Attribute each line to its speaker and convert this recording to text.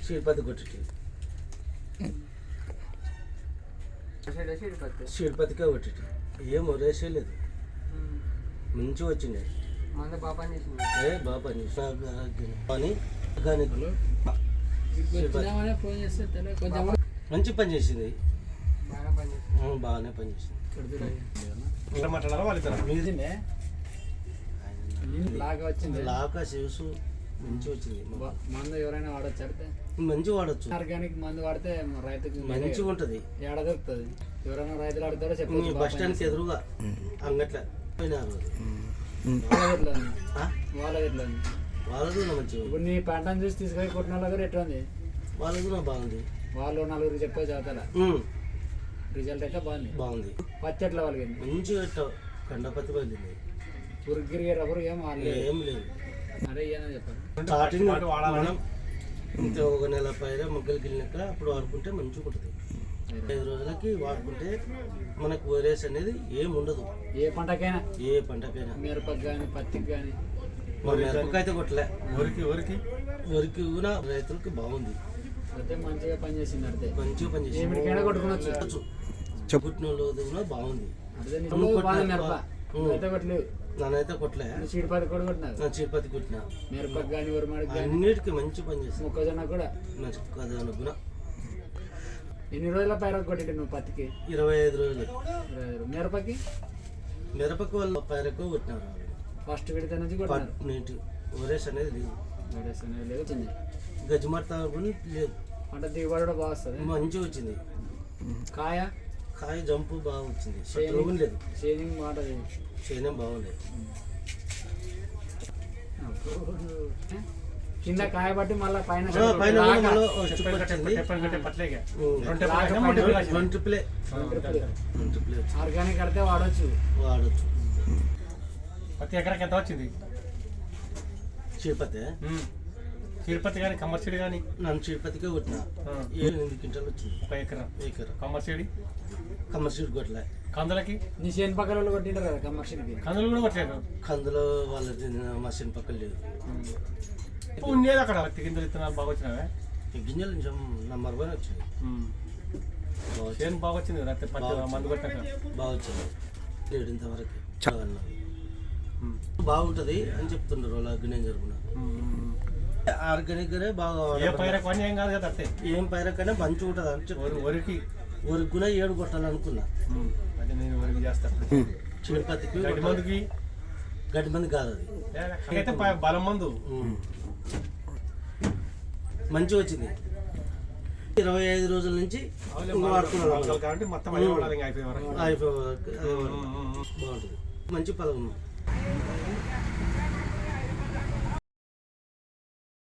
Speaker 1: సీడ్పత్తి కొట్టి సీడ్పత్తికే కొట్టి ఏం రేసేయలేదు, మంచిగా వచ్చింది. బాగా పని మంచి పని చేసింది, బాగానే పని చేసింది. లాగా శివసు మంచి వచ్చింది.
Speaker 2: మందు ఎవరైనా వాడచ్చు,
Speaker 1: మంచిగా వాడచ్చు.
Speaker 2: ఆర్గానిక్ మందు వాడితే రైతుకి
Speaker 1: మంచిగా ఉంటది.
Speaker 2: ఏడ దొరుకుతుంది. ఎవరైనా రైతులు ఆడతారో చెప్పండి.
Speaker 1: బస్ స్టాండ్కి ఎదురుగా అంగట్ల వాళ్ళకు మంచిగా.
Speaker 2: ఇప్పుడు నీ పంటను చూసి తీసుకొని కొట్టిన వాళ్ళ దగ్గర ఎట్లా ఉంది?
Speaker 1: వాళ్ళకు బాగుంది.
Speaker 2: వాళ్ళు నలుగురు చెప్పే చదువుతారా? రిజల్ట్ అయితే
Speaker 1: బాగుంది.
Speaker 2: పత్తి ఎట్లా వాళ్ళకి
Speaker 1: మంచిగా కండపత్తి పడింది.
Speaker 2: ఉరిగిరి రబ్బరు ఏం
Speaker 1: లేదు.
Speaker 2: అదే ఏమని చెప్పారు.
Speaker 1: స్టార్టింగ్ మనం ఇంత ఒక నెల పైన మొగ్గలు గిల్లినాక అప్పుడు వాడుకుంటే మంచిగా ఉంటుంది. 5 రోజులకి వాడుకుంటే మనకు వైరస్ అనేది ఏం ఉండదు.
Speaker 2: ఏ పంటకైనా
Speaker 1: మిరపకి
Speaker 2: కానీ పత్తికి కానీ.
Speaker 1: మిరపకి అయితే కొట్టలే, వరికి కూడా రైతులకి బాగుంది.
Speaker 2: అయితే మంచిగా పనిచేసింది. అంటే
Speaker 1: మంచిగా పనిచేసింది.
Speaker 2: కొట్టుకోవచ్చు.
Speaker 1: చెప్పుట్టిన కూడా బాగుంది. నన్నైతే కొట్టలే.
Speaker 2: చీడపత్తి కూడా కొట్టినా.
Speaker 1: చీడపత్తి కొట్టినా.
Speaker 2: మిరపకి కానీ ఉరమాడికి
Speaker 1: అన్నిటికీ మంచి పని చేస్తుంది.
Speaker 2: మొక్కజొన్న కూడా.
Speaker 1: మొక్కజొన్న కూడా.
Speaker 2: ఎన్ని రోజుల పైర కొట్టి నువ్వు పత్తికి?
Speaker 1: 25 రోజులు.
Speaker 2: మిరపకి
Speaker 1: వాళ్ళు పైరకు కొట్టినారు.
Speaker 2: ఫస్ట్ విడత నుంచి
Speaker 1: కొట్టినారు. వైరస్ అనేది లేదు. గజ్జిమర్త లేదు.
Speaker 2: అంటే దిగుబడి కూడా బాగా వస్తుంది,
Speaker 1: మంచిగా వచ్చింది. కాయ జంపు బాగా వచ్చింది. లేదు
Speaker 2: షేనింగ్ మాట
Speaker 1: షేనింగ్ బాగుండేది.
Speaker 2: కింద కాయ బట్టి మళ్ళీ పైన ఆర్గానిక్ కడితే వాడచ్చు.
Speaker 3: ప్రతి ఎకరాకి ఎంత వచ్చింది? చీడపత్తి కానీ కమర్షియల్ కానీ?
Speaker 1: నన్ను చీడపత్తికే కొట్టిన 8 క్వింటాలు వచ్చింది.
Speaker 3: ఒక ఎకరా కమర్షియల్
Speaker 1: కొట్టలే.
Speaker 3: కందులకి
Speaker 2: నీ చేను పక్కల కొట్టింటారు కదా కమర్షియల్కి.
Speaker 3: కందులు కూడా కొట్టలేదు.
Speaker 1: కందులో వాళ్ళది మా చేను పక్కన లేదు.
Speaker 3: ఉండేది అక్కడ పత్తి గింజలు ఇత్తనాలు బాగా వచ్చినావే?
Speaker 1: గింజలు కొంచెం నంబర్ 1 వచ్చింది.
Speaker 3: చేను బాగా వచ్చింది కదా పత్తి మందు కొట్టాక?
Speaker 1: బాగా వచ్చింది. 7 ఇంతవరకు చాలా బాగుంటుంది అని చెప్తుండ్రు వాళ్ళు. అగ్ని జరుగున ఆర్గానిక్ గానే బాగా.
Speaker 3: ఏ పైరకు ఏం కాదు కదా, అత్తే
Speaker 1: ఏం పైరకనే మంచిగా ఉంటుంది అని చెప్పి
Speaker 3: వరికి
Speaker 1: కూడా 7 కొట్టాలనుకున్నా.
Speaker 3: అదే నేను వరికి చేస్తాను.
Speaker 1: చీడపత్తికి గడ్డి మంది కాదు అది,
Speaker 3: అయితే బలం మందు.
Speaker 1: మంచిగా వచ్చింది. 25 రోజుల నుంచి వాడుతున్నాను
Speaker 3: కాబట్టి మొత్తం అయిపోయే వరకు బాగుంటుంది.
Speaker 1: మంచి ఫలం.